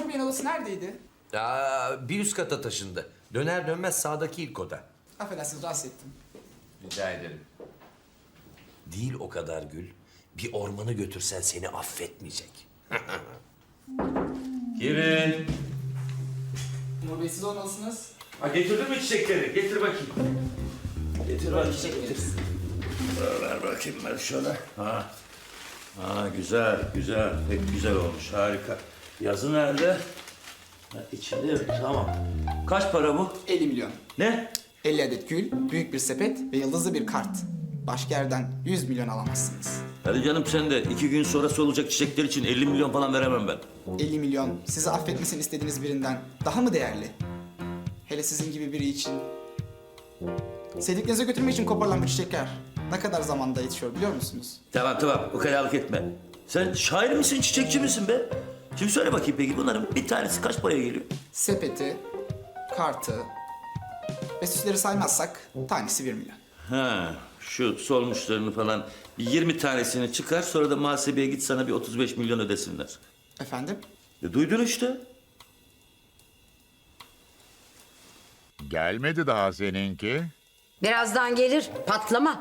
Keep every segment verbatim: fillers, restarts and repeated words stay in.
Mahir Bey'in odası neredeydi? Aa, bir üst kata taşındı. Döner dönmez sağdaki ilk oda. Affedersiniz, rahatsız ettim. Rica ederim. Değil o kadar Gül. Bir ormanı götürsen seni affetmeyecek. Girin. Umur Bey, siz olmalısınız. Ha, getirdin mi çiçekleri? Getir bakayım. Getir bakayım. Çiçekleri. Ver bakayım ben şöyle. Ha. Ha, güzel, güzel. Pek güzel olmuş, harika. Yazı nerede? Ha, içinde yok, tamam. Kaç para bu? elli milyon. Ne? elli adet gül, büyük bir sepet ve yıldızlı bir kart. Başka yerden yüz milyon alamazsınız. Hadi canım sen de iki gün sonrası olacak çiçekler için elli milyon falan veremem ben. elli milyon sizi affetmesini istediğiniz birinden daha mı değerli? Hele sizin gibi biri için. Sevdiklerinize götürmek için koparılan bu çiçekler ne kadar zamanda yetişiyor biliyor musunuz? Tamam tamam, ukalalık etme. Sen şair misin, çiçekçi misin be? Şimdi söyle bakayım peki bunların bir tanesi kaç paraya geliyor? Sepeti, kartı ve süsleri saymazsak tanesi bir milyon. Ha, şu solmuşlarını falan bir yirmi tanesini çıkar, sonra da muhasebeye git sana bir otuz beş milyon ödesinler. Efendim? E, duydun işte. Gelmedi daha seninki. Birazdan gelir. Patlama.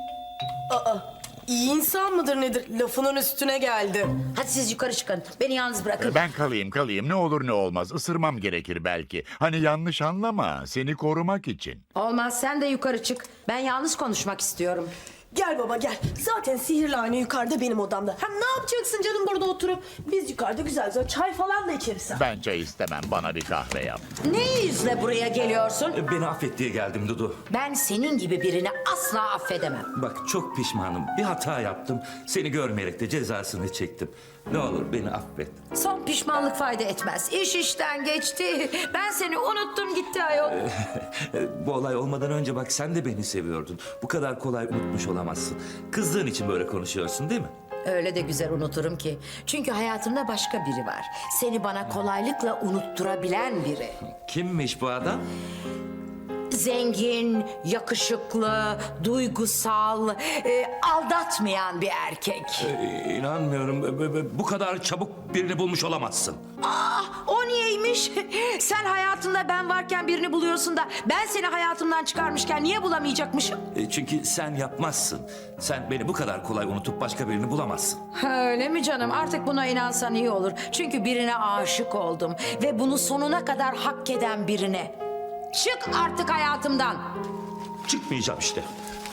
İyi insan mıdır nedir? Lafının üstüne geldi. Hadi siz yukarı çıkın. Beni yalnız bırakın. Ben kalayım kalayım ne olur ne olmaz. Isırmam gerekir belki. Hani yanlış anlama. Seni korumak için. Olmaz, sen de yukarı çık. Ben yalnız konuşmak istiyorum. Gel baba gel. Zaten sihirli ayna yukarıda benim odamda. Hem ne yapacaksın canım burada oturup? Biz yukarıda güzel güzel çay falan da içeriz. Ben çay istemem. Bana bir kahve yap. Ne yüzle buraya geliyorsun? E, Beni affet diye geldim Dudu. Ben senin gibi birini asla affedemem. Bak çok pişmanım. Bir hata yaptım. Seni görmeyerek de cezasını çektim. Ne olur beni affet. Son pişmanlık fayda etmez. İş işten geçti. Ben seni unuttum gitti ayol. E, Bu olay olmadan önce bak sen de beni seviyordun. Bu kadar kolay unutmuş olamazsın. Kızdığın için böyle konuşuyorsun değil mi? Öyle de güzel unuturum ki. Çünkü hayatımda başka biri var. Seni bana kolaylıkla unutturabilen biri. Kimmiş bu adam? Zengin, yakışıklı, duygusal, e, aldatmayan bir erkek. E, İnanmıyorum. E, e, e, Bu kadar çabuk birini bulmuş olamazsın. Aa, o niyeymiş? Sen hayatında ben varken birini buluyorsun da ben seni hayatımdan çıkarmışken niye bulamayacakmışım? E, Çünkü sen yapmazsın. Sen beni bu kadar kolay unutup başka birini bulamazsın. Ha, öyle mi canım? Artık buna inansan iyi olur. Çünkü birine aşık oldum ve bunu sonuna kadar hak eden birine. Çık artık hayatımdan. Çıkmayacağım işte.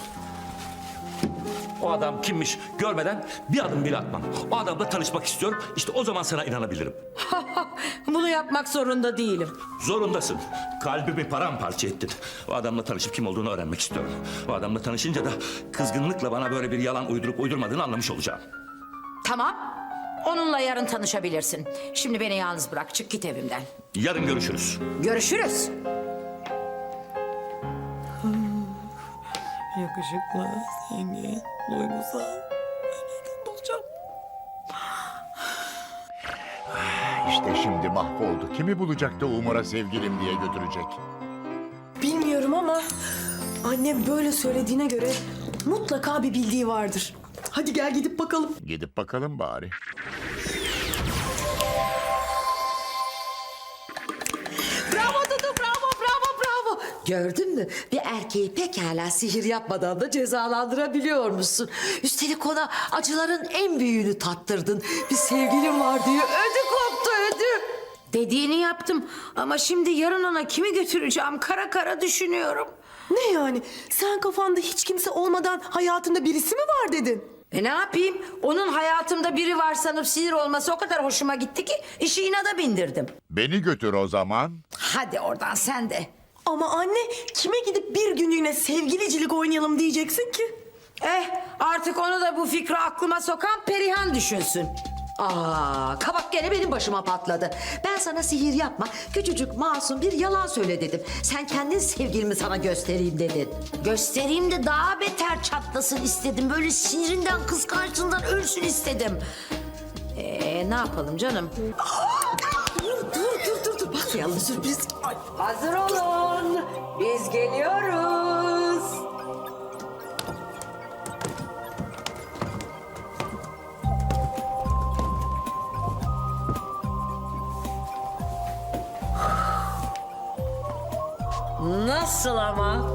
O adam kimmiş görmeden bir adım bile atmam. O adamla tanışmak istiyorum. İşte o zaman sana inanabilirim. Bunu yapmak zorunda değilim. Zorundasın. Kalbimi paramparça ettin. O adamla tanışıp kim olduğunu öğrenmek istiyorum. O adamla tanışınca da kızgınlıkla bana böyle bir yalan uydurup uydurmadığını anlamış olacağım. Tamam. Onunla yarın tanışabilirsin. Şimdi beni yalnız bırak. Çık git evimden. Yarın görüşürüz. Görüşürüz. Yakışıklı, zengin, duygusal. Bulacağım. İşte şimdi mahvoldu. Kimi bulacak da Umur'a sevgilim diye götürecek. Bilmiyorum ama annem böyle söylediğine göre mutlaka bir bildiği vardır. Hadi gel gidip bakalım. Gidip bakalım bari. Bravo Dudu, bravo, bravo, bravo. Gördün mü? Bir erkeği pekala sihir yapmadan da cezalandırabiliyor musun? Üstelik ona acıların en büyüğünü tattırdın. Bir sevgilim var diye ödü koptu, ödü. Dediğini yaptım ama şimdi yarın ona kimi götüreceğim kara kara düşünüyorum. Ne yani? Sen kafanda hiç kimse olmadan hayatında birisi mi var dedin? E ne yapayım? Onun hayatımda biri var sanıp sinir olması o kadar hoşuma gitti ki işi inada bindirdim. Beni götür o zaman. Hadi oradan sen de. Ama anne kime gidip bir günlüğüne sevgilicilik oynayalım diyeceksin ki? Eh artık onu da bu fikri aklıma sokan Perihan düşünsün. Aa, kabak gene benim başıma patladı. Ben sana sihir yapma, küçücük masum bir yalan söyle dedim. Sen kendin sevgilimi sana göstereyim dedin. Göstereyim de daha beter çatlasın istedim. Böyle sinirinden, kıskançlığından ölsün istedim. Ee, ne yapalım canım? Dur dur dur dur dur bakmayalım sürpriz. Ay. Hazır olun, biz geliyoruz. Nasıl ama?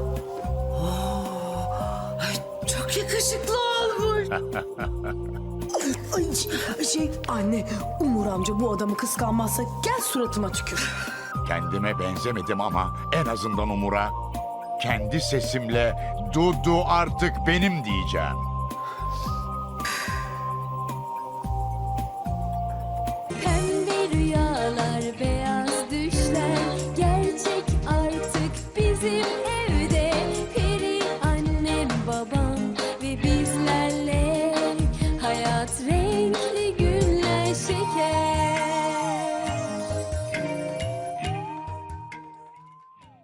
Ay, çok yakışıklı olmuş. Ay, şey anne, Umur amca bu adamı kıskanmazsa gel suratıma tükür. Kendime benzemedim ama en azından Umur'a kendi sesimle Dudu artık benim diyeceğim.